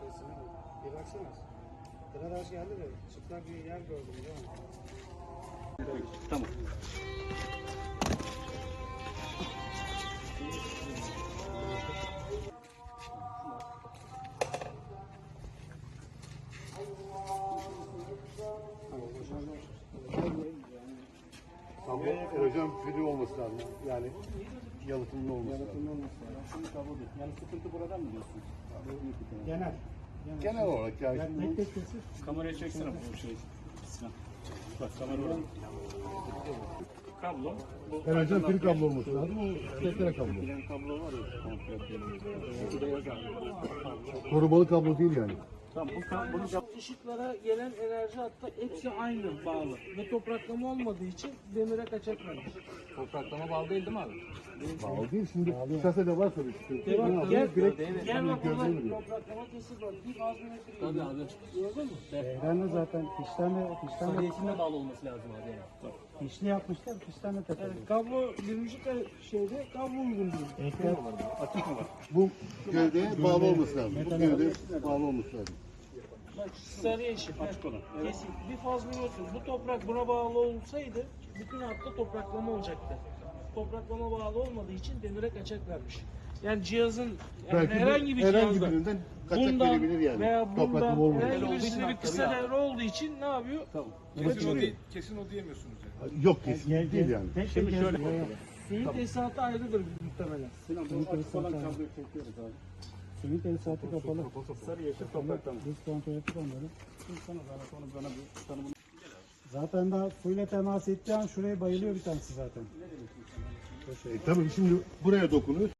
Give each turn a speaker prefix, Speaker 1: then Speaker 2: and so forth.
Speaker 1: Bir baksana. Sıra geldi de çıplak bir yer gördüm değil mi?
Speaker 2: Tamam.
Speaker 3: Ama hocam free olması lazım. Yani yalıtımlı olması lazım.
Speaker 1: Yalıtımlı olması lazım.
Speaker 2: Şimdi kablodur. Yani sıkıntı buradan mı diyorsunuz?
Speaker 1: Genel.
Speaker 3: Genel olarak yani.
Speaker 1: Tek tek kesin.
Speaker 2: Kameraya çeksene bu şey. Sinan. Bak kamera orada. Kablo. Bu
Speaker 3: Yani hocam free kablo olması lazım. O testere kablo.
Speaker 2: Bilen kablo var ya. Komple. Burada yazar.
Speaker 3: Korumalı kablo değil yani.
Speaker 2: Tamam bunu
Speaker 4: Işıklara gelen enerji hatta hepsi aynı bağlı ve topraklama olmadığı için demire kaçak vermiş.
Speaker 2: topraklama bağlı değil mi abi?
Speaker 3: Bağlı değil. Şimdi kasede varsa bir şey.
Speaker 4: Bak,
Speaker 3: Ne yapıyor? Direkt
Speaker 4: Gel bak burada
Speaker 3: gövdeye vuruyor.
Speaker 4: topraklama kesir var. Bir faz metre
Speaker 2: Tabii abi.
Speaker 4: gördün mü?
Speaker 1: Ben de zaten fişten
Speaker 2: Sadiyetinde bağlı olması lazım abi yani.
Speaker 1: fişli yapmışlar. Fişten de takılıyor.
Speaker 4: Yani kablo 20 şeyde kablo uygun değil.
Speaker 2: Açık mı var?
Speaker 3: Bu gövdeye bağlı olması lazım. Bu gövdeye bağlı olması lazım.
Speaker 4: Bak sarı yeşil.
Speaker 2: Açık olan.
Speaker 4: Kesin. Bir faz biliyorsun. Bu toprak buna bağlı olsaydı bütün hatta topraklama olacaktı. Topraklama bağlı olmadığı için demire kaçak vermiş. Yani cihazın yani herhangi bir cihazda
Speaker 3: birinden kaçak
Speaker 4: bundan
Speaker 3: verebilir yani.
Speaker 4: veya
Speaker 3: Topraklama
Speaker 4: bundan
Speaker 3: olmadığı
Speaker 4: herhangi
Speaker 3: için.
Speaker 4: birisinde bir kısa devre olduğu için ne yapıyor?
Speaker 5: Kesin o diyemiyorsunuz yani.
Speaker 3: Yok kesin değil yani.
Speaker 1: Şimdi şöyle.
Speaker 4: Suyun tesisatı ayrıdır muhtemelen.
Speaker 2: Sinan bu açık olan kabloyu çekiyoruz abi.
Speaker 1: Suyun tesisatı kapalı.
Speaker 2: Sarı yeşil topraklama.
Speaker 1: Biz kontrol ettik onları.
Speaker 2: Şimdi sana zahmet onu bana bir tanımını.
Speaker 1: Zaten daha suyla temas ettiği an şuraya bayılıyor bir tanesi zaten.
Speaker 3: Tabii şimdi buraya dokunuyor.